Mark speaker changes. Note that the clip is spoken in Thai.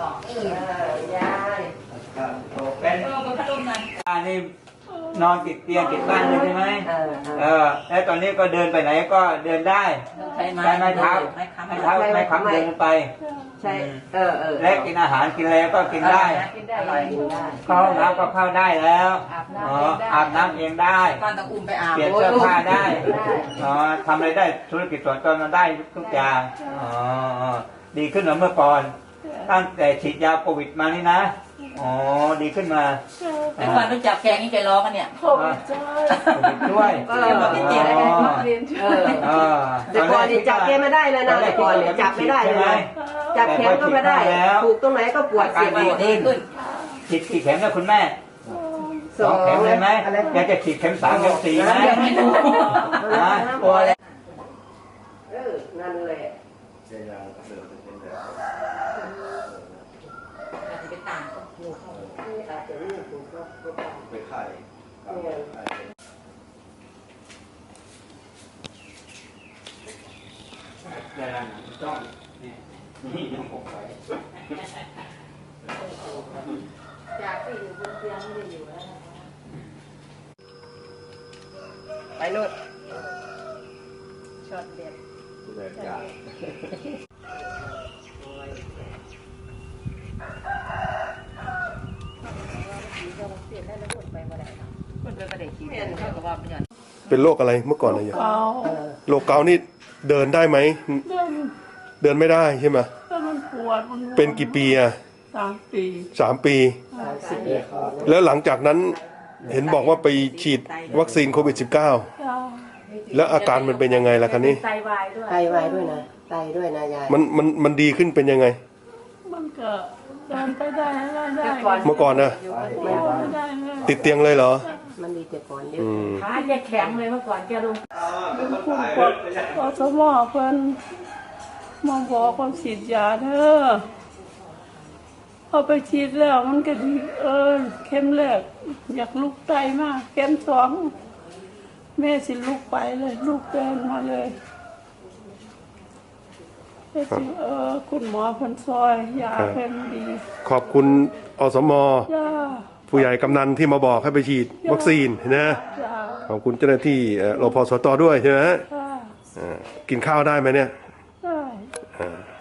Speaker 1: ยาย
Speaker 2: เป็นนี่นอนติดเตียงติดบ้านเลยใช่ไหมแล้วตอนนี้ก็เดินไปไหนก็เดินได้ใช้ไม้เท้าไม้ค้ำเดินไป
Speaker 1: ใช่
Speaker 2: และกินอาหารกินอะไรก็กินได้เข้าห้องน้ำก็เข้าได้แล้วอาบน้ำเองได้
Speaker 1: ก่อนตะอุ้มไปอาบ
Speaker 2: เปลี่ยนเสื้อผ้าได้ทำอะไรได้ธุรกิจส่วนตัวมันได้ทุกอย่างดีขึ้นกว่าเมื่อก่อนตั้งแต่ฉีดยาโควิดมานี่นะดีขึ้นมา
Speaker 1: แต่ก่อนต้องจับแกงนี่ใจร้องกันเนี่ย
Speaker 2: โควิดด้วย
Speaker 3: แต่ก่อนจับแกไม่ได้เลยนะแต่ก่อนจับไม่ได้เลยจับแขนก็ไม่ได้ถูกตรงไหนก็ปวดเสียบ
Speaker 1: ดีขึ้น
Speaker 2: ฉีดกี่เข็มนะคุณแม่2 เข็มเลยไหมอยากจะฉีดเข็ม3 เข็ม 4ไหม
Speaker 1: กลัวเลย
Speaker 3: นั่นแหละ
Speaker 4: ไปขาย
Speaker 2: ได้แล้วต้องนี่ยังผมไป
Speaker 3: จากที่อยู่บนเตียงไม่ได้อยู่แล้วไปนู่นช็อตเด็ด
Speaker 4: เป็นโรคอะไรเมื่อก่อนอะไรอย่างโรคเกาต์นี่เดินได้ไหมเดินไม่ได้ใช่ไหม
Speaker 5: มันปวด
Speaker 4: เป็นกี่ปีอ่ะ3 ปีแล้วหลังจากนั้นเห็นบอกว่าไปฉีดวัคซีนโควิด -19 แล้วอาการมันเป็นยังไงล่ะคะนี่
Speaker 3: ไตวายด้วยนะไตด้วยนะยาย
Speaker 4: มันดีขึ้นเป็นยังไง
Speaker 5: มันก็เดินไปได้
Speaker 4: เมื่อก่อนนะติดเตียงเลยเหรอ
Speaker 3: มันดีแต่ก่อนเยอะ
Speaker 1: ขาแกแข็งเลยเมื่อก่อนแกลุง
Speaker 5: อสมอเพิ่นมาบอกความฉีดยาเธอเอาไปฉีดแล้วมันก็ดีเข็มแรกอยากลุกไตมากเข็ม2แม่สิลุกไปเลยลุกเดินมาเลยคุณหมอเพิ่นซอยยาเพิ่นดี
Speaker 4: ขอบคุณอสม.ผู้ใหญ่กำนันที่มาบอกให้ไปฉีดวัคซีนนะขอบคุณเจ้าหน้าที่รพสต.ด้วยใช่ไหมกินข้าวได้ไหมเนี่ย
Speaker 5: ได้